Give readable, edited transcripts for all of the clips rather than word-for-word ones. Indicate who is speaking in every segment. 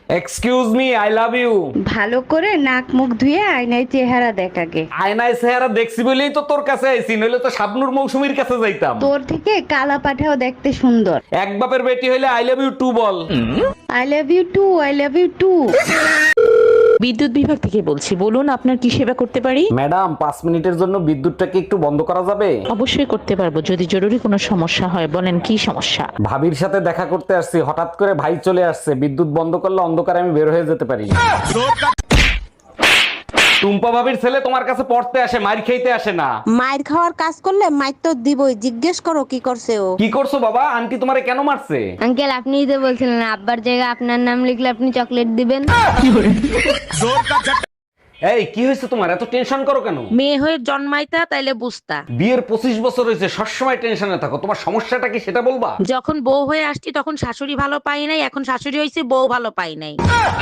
Speaker 1: Excuse me, I love you.
Speaker 2: ভালো করে নাক মুখ ধুয়ে আয়নায় চেহারা দেখ আগে।
Speaker 1: আয়নায় চেহারা দেখছি বলেই তো তোর কাছে আইছি, নইলে তো শাবনূর মৌসুমীর কাছে যাইতাম।
Speaker 2: তোর থেকে কালা পাঠাও দেখতে সুন্দর।
Speaker 1: এক বাপের বেটি হইলে আই লাভ ইউ টু বল।
Speaker 2: I love you too, I love you too.
Speaker 3: বিদ্যুৎ বিভাগ থেকে বলছি, বলুন আপনার কি সেবা করতে পারি?
Speaker 1: ম্যাডাম 5 মিনিটের জন্য বিদ্যুৎটাকে একটু বন্ধ করা যাবে?
Speaker 3: অবশ্যই করতে পারবো, যদি জরুরি কোনো সমস্যা হয়। বলেন কি সমস্যা?
Speaker 1: ভাবির সাথে দেখা করতে আসছি, হঠাৎ করে ভাই চলে আসছে, বিদ্যুৎ বন্ধ করলে অন্ধকারে আমি বের হয়ে যেতে পারি। টুম্পা ভাবির ছেলে তোমার কাছে পড়তে আসে, মাইর খেইতে আসে না।
Speaker 4: মায়ের খাওয়ার কাজ করলে মাইর তো দিবই, জিজ্ঞেস করো কি করছে ও।
Speaker 1: কি করছো বাবা? আন্টি তোমারে কেন মারছে?
Speaker 5: আঙ্কেল আপনিই তো বলছিলেন আব্বার জায়গায় আপনার নাম লিখলে আপনি চকলেট দিবেন।
Speaker 1: এই কি হয়েছে তোমার? এত টেনশন করো কেন?
Speaker 3: মেয়ে হয়ে জন্মাইতা তাইলে বুঝতা।
Speaker 1: বিয়ের 25 বছর হয়েছে, সবসময় টেনশনে থাকো। তোমার সমস্যাটা কি সেটা বলবা?
Speaker 3: যখন বউ হয়ে আসছি তখন শাশুড়ি ভালো পাই নাই, এখন শাশুড়ি হয়েছে বউ ভালো পাই নাই।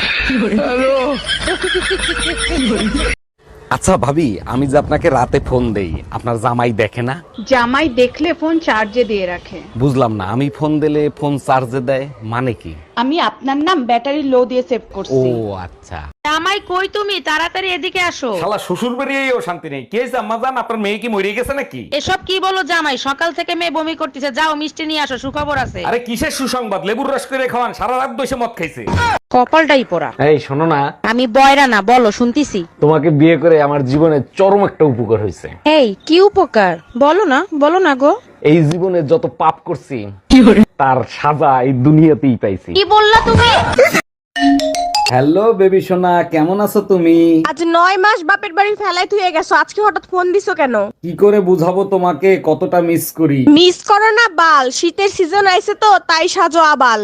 Speaker 1: আচ্ছা ভাবি, আমি যে আপনাকে রাতে ফোন দেই, আপনার জামাই দেখে না?
Speaker 6: জামাই দেখলে ফোন চার্জে দিয়ে রাখে।
Speaker 1: বুঝলাম না, আমি ফোন দিলে ফোন চার্জে দেয় মানে কি?
Speaker 6: আমি আপনার নাম ব্যাটারি লো দিয়ে সেভ
Speaker 1: ও
Speaker 6: করছি।
Speaker 1: আচ্ছা।
Speaker 3: জামাই কই তুমি? তাড়াতাড়ি এদিকে আসো।
Speaker 1: শালা শ্বশুর বেরিয়েও শান্তি নেই। কে আম্মা জান, আপনার মেয়ে কি মরে গেছে নাকি?
Speaker 3: এসব কি বলো জামাই? সকাল থেকে মেয়ে বমি করতেছে, যাও মিষ্টি নিয়ে আসো, সুখবর আছে।
Speaker 1: আরে কিসের সুসংবাদ? লেবুর রস করে খাওয়ান, সারা রাত বসে মদ খাইছে।
Speaker 3: কপালটাই পোড়া।
Speaker 1: এই শোনো না,
Speaker 3: আমি বয়রা না, বলো শুনতিছি।
Speaker 1: তোমাকে বিয়ে করে আমার জীবনে চরম একটা উপকার হয়েছে।
Speaker 3: এই কি উপকার? বলো না গো।
Speaker 1: এই জীবনে যত পাপ করছি তার সাজা এই দুনিয়াতেই পাইছি।
Speaker 3: কি বললা তুমি?
Speaker 1: হ্যালো বেবি সোনা, কেমন আছো তুমি?
Speaker 4: আজ 9 মাস বাপের বাড়ি ফেলাই তুই গেছো, আজকে হঠাৎ ফোন দিছো কেন?
Speaker 1: কি করে বুঝাবো তোমাকে কতটা মিস করি?
Speaker 4: মিস করো না বাল, শীতের সিজন আইছে তো তাই সাজো আবাল।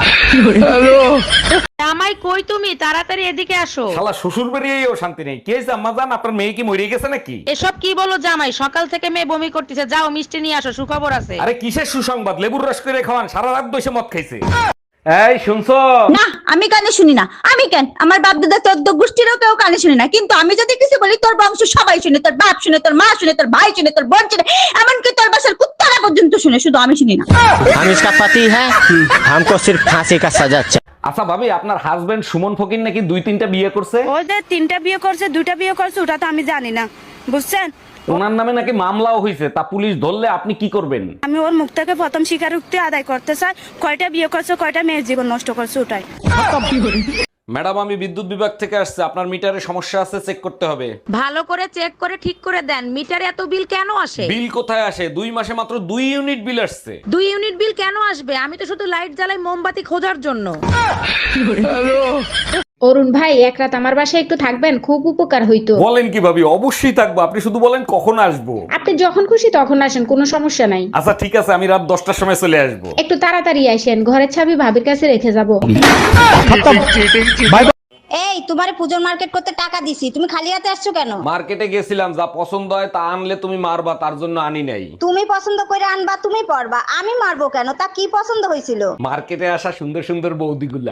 Speaker 3: জামাই কই তুমি? তাড়াতাড়ি এদিকে আসো।
Speaker 1: শালা শ্বশুর বেরিয়েও শান্তি নেই। কে আম্মা জান, আপনার মেয়ে কি মরে গেছে নাকি?
Speaker 3: এসব কি বলো জামাই? সকাল থেকে মেয়ে বমি করতেছে, যাও মিষ্টি নিয়ে আসো, সুখবর আছে।
Speaker 1: আরে কিসের সুসংবাদ? লেবুর রস করে খাওয়ান, সারা রাত বসে মদ খাইছে। এই শুনছো?
Speaker 7: না আমি কানে শুনি না। আমি কেন, আমার বাপ দাদা 14 গোষ্ঠীরও কেউ কানে শুনি না, কিন্তু আমি যদি কিছু বলি তোর বংশ সবাই শুনে, তোর বাপ শুনে, তোর মা শুনে, তোর ভাই শুনে, তোর বোন শুনে, এমনকি তোর বাসার কুত্তারা পর্যন্ত শুনে, শুধু আমি শুনি না।
Speaker 8: हम इसका पति है, हमको सिर्फ फांसी का सजा चाहिए।
Speaker 1: আচ্ছা ভাবি, আপনার হাজবেন্ড সুমন ফকির নাকি 2-3টা বিয়ে করছে?
Speaker 9: ওই যে 3টা বিয়ে করছে, 2টা বিয়ে করছে, ওটা তো আমি জানি না, বুঝছেন?
Speaker 1: ওনার নামে নাকি মামলাও হয়েছে, তা পুলিশ ধরলে আপনি কি করবেন?
Speaker 9: আমি ওর মুখ থেকে প্রথম স্বীকারোক্তি আদায় করতে চাই, কয়টা বিয়ে করছে, কয়টা মেয়ের জীবন নষ্ট করছে, ওটাই।
Speaker 1: ম্যাডাম, আমি বিদ্যুৎ বিভাগ থেকে আসছে, আপনার মিটারে সমস্যা আছে, চেক করতে হবে।
Speaker 3: ভালো করে চেক করে ঠিক করে দেন। মিটারে এত বিল কেন আসে?
Speaker 1: বিল কোথায় আসে? 2 মাসে মাত্র 2 ইউনিট বিল আসছে।
Speaker 3: 2 ইউনিট বিল কেন আসবে? আমি তো শুধু লাইট জ্বালাই মোমবাতি খোঁজার জন্য।
Speaker 10: অরুণ ভাই, এক রাত আমার বাসায় একটু থাকবেন, খুব উপকার হইতো।
Speaker 1: বলেন কি ভাবি, অবশ্যই থাকবো। আপনি শুধু বলেন কখন আসবো।
Speaker 10: আপনি যখন খুশি তখন আসেন, কোনো সমস্যা নাই।
Speaker 1: আচ্ছা ঠিক আছে, আমি রাত 10টার সময় চলে আসবো।
Speaker 10: একটু তাড়াতাড়ি আসেন, ঘরের চাবি ভাবির কাছে রেখে যাব।
Speaker 7: এই তোমারে পূজোর মার্কেট করতে টাকা দিছি, তুমি খালি হাতে আসছো কেন?
Speaker 1: মার্কেটে গেছিলাম, যা পছন্দ হয় তা আনলে তুমি মারবা, তার জন্য আনি নাই।
Speaker 7: তুমি পছন্দ করে আনবা, তুমি পরবা, আমি মারবো কেন? তা কি পছন্দ হয়েছিল?
Speaker 1: মার্কেটে আসা সুন্দর সুন্দর বৌদিগুলা।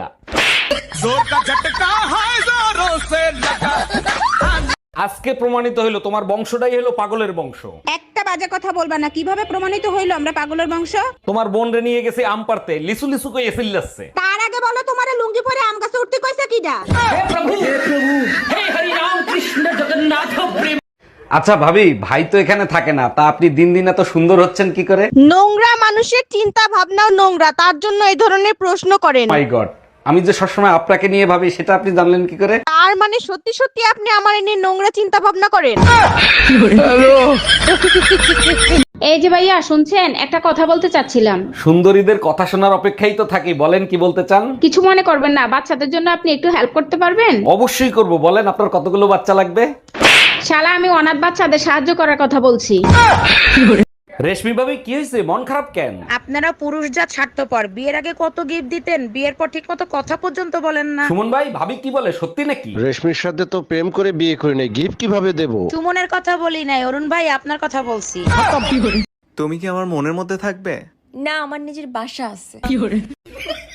Speaker 1: আজকে প্রমাণিত হইলো তোমার বংশটাই হলো পাগলের বংশ।
Speaker 6: একটা বাজে কথা বলবা না। কিভাবে প্রমাণিত হইলো আমরা পাগলের বংশ?
Speaker 1: তোমার বোন রে নিয়ে গেছে আম পারতে, লিসু লিসু কই এসিল যাচ্ছে।
Speaker 6: তার আগে বলো, তোমারে লুঙ্গি পরে আম গাছে উঠতে কইছে কিডা?
Speaker 1: আচ্ছা ভাবি, ভাই তো এখানে থাকে না, তা আপনি দিন দিন এত সুন্দর হচ্ছেন কি করে?
Speaker 4: নোংরা মানুষের চিন্তা ভাবনাও নোংরা, তার জন্য এই ধরনের প্রশ্ন করেন।
Speaker 1: মাই গড, আমি যে সবসময় আপনাকে নিয়ে ভাবি সেটা আপনি জানলেন কি করে?
Speaker 4: তার মানে সত্যি সত্যি আপনি আমার নিয়ে নোংরা চিন্তা ভাবনা করেন?
Speaker 10: এই যে ভাইয়া শুনছেন, একটা কথা বলতে চাচ্ছিলাম।
Speaker 1: সুন্দরীদের কথা শোনার অপেক্ষাই তো থাকি, বলেন কি বলতে চান?
Speaker 10: কিছু মনে করবেন না, বাচ্চাদের জন্য আপনি একটু হেল্প করতে পারবেন?
Speaker 1: অবশ্যই করব, বলেন আপনার কতগুলো বাচ্চা লাগবে?
Speaker 10: শালা, আমি অনাথ বাচ্চাদের সাহায্য করার কথা বলছি।
Speaker 1: রেশমি ভাবি, কি হয়েছে? মন খারাপ কেন?
Speaker 3: আপনারা পুরুষ জাত স্বার্থপর। বিয়ের আগে কত গিফট দিতেন, বিয়ের পর ঠিক মতো কথা পর্যন্ত বলেন না।
Speaker 1: সুমন ভাই, ভাবি কি বলে, সত্যি নাকি?
Speaker 8: রেশমির সাথে তো প্রেম করে বিয়ে করে নেই, গিফট কিভাবে দেবো?
Speaker 3: সুমনের কথা বলি নাই, অরুণ ভাই আপনার কথা বলছি।
Speaker 11: তুমি কি আমার মনের মধ্যে থাকবে?
Speaker 5: না, আমার নিজের বাসা আছে।